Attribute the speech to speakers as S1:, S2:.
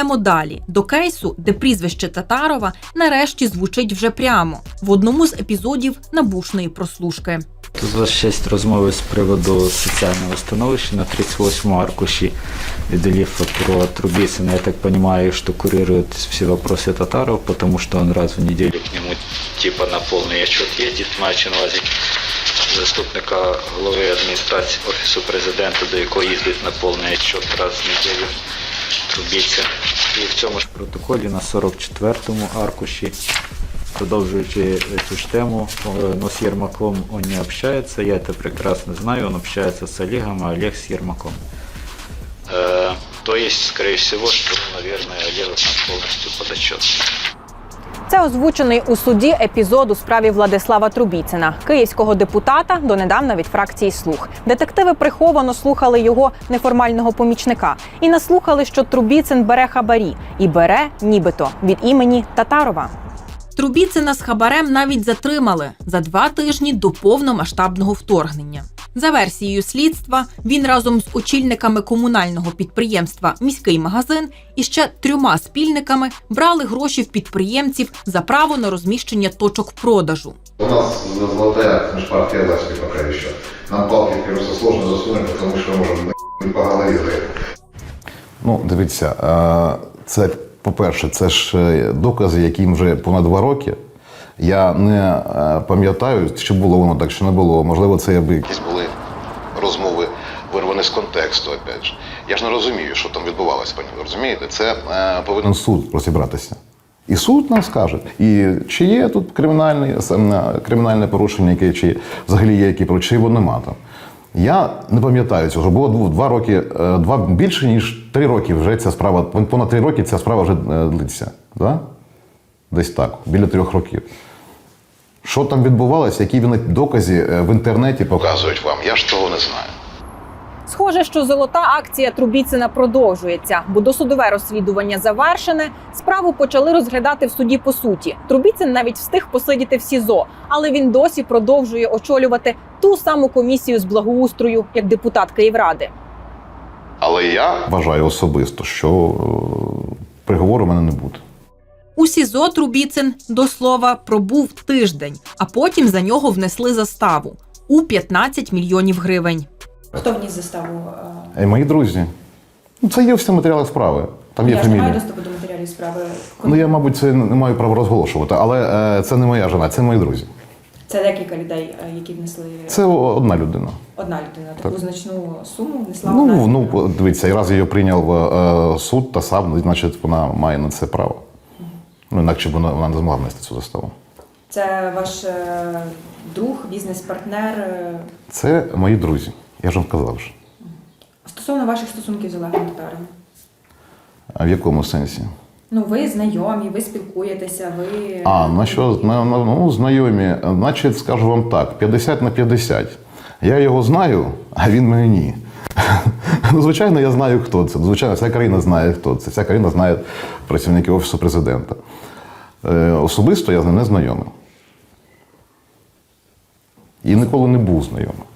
S1: йдемо далі, до кейсу, де прізвище Татарова нарешті звучить вже прямо, в одному з епізодів набушної прослушки.
S2: Тут у вас ще є розмови з приводу соціального становища на 38-му аркуші Делифа про Трубицына. Я так понимаю, что курирует все вопросы Татаров, потому что он раз в неделю к нему типа на полный отчет ездит, маючи на увазі заступника голови адміністрації Офісу Президента, до якого їздить на повний отчет раз в неділю Трубицын. І в цьому ж протоколі на 44-му аркуші, продолжающий эту ж тему, но с Ермаком он не общается, я это прекрасно знаю, он общается с Олегом, а Олег с Ермаком. То есть, скорее всего, что, наверное, Олег нам полностью под отчет.
S3: Це озвучений у суді епізод у справі Владислава Трубіцина, київського депутата, донедавна від фракції «Слуг». Детективи приховано слухали його неформального помічника і наслухали, що Трубіцин бере хабарі. І бере, нібито, від імені Татарова.
S1: Трубіцина з хабарем навіть затримали за 2 тижні до повномасштабного вторгнення. За версією слідства, він разом з очільниками комунального підприємства «Міський магазин» і ще 3 спільниками брали гроші в підприємців за право на розміщення точок продажу.
S4: У нас золотая межпартия власти пока еще. Нам палки просто сложно засунуть, тому що можемо по голові.
S5: Ну, дивіться, це, по-перше, це ж докази, яким вже понад 2 роки. Я не пам'ятаю, чи було воно так, чи не було. Можливо, це якісь були розмови вирвані з контексту, опять же. Я ж не розумію, що там відбувалося, пані, ви розумієте? Це повинен суд розібратися. І суд нам скаже, і чи є тут кримінальне порушення, яке, чи взагалі є які, чи його нема там. Я не пам'ятаю цього. Було 2 роки, більше ніж 3 роки вже ця справа, понад 3 роки ця справа вже длиться. Да? Десь так, біля 3 років. Що там відбувалося, які докази в інтернеті показують вам, я ж того не знаю.
S3: Схоже, що золота акція Трубіцина продовжується, бо досудове розслідування завершене, справу почали розглядати в суді по суті. Трубіцин навіть встиг посидіти в СІЗО, але він досі продовжує очолювати ту саму комісію з благоустрою, як депутат Київради.
S5: Але я вважаю особисто, що приговору в мене не буде.
S1: У СІЗО Трубіцин, до слова, пробув тиждень, а потім за нього внесли заставу у 15 мільйонів гривень.
S6: Хто вніс заставу?
S5: Мої друзі. Це є всі матеріали справи. Там є фамілія.
S6: Я ж не маю доступу до матеріалів справи.
S5: Ну, я, мабуть, це не маю права розголошувати, але це не моя жена, це мої друзі.
S6: Це декілька людей, які внесли?
S5: Це одна людина.
S6: Одна людина. Таку
S5: так.
S6: Значну суму внесла одна людина?
S5: Ну, дивіться, і раз її прийняв суд, та сам, значить, вона має на це право. Ну, інакше б вона не змогла внести цю заставу.
S6: Це ваш друг, бізнес-партнер?
S5: Це мої друзі. Я ж вам казав вже.
S6: Стосовно ваших стосунків з Олегом Татаровим?
S5: А в якому сенсі?
S6: Ну, ви знайомі, ви спілкуєтеся, ви...
S5: Ну, знайомі. Значить, скажу вам так, 50 на 50. Я його знаю, а він мене ні. Ну, звичайно, я знаю, хто це. Звичайно, вся країна знає, хто це. Вся країна знає працівників Офісу Президента. Особисто я з ним не знайомий. І ніколи не був знайомий.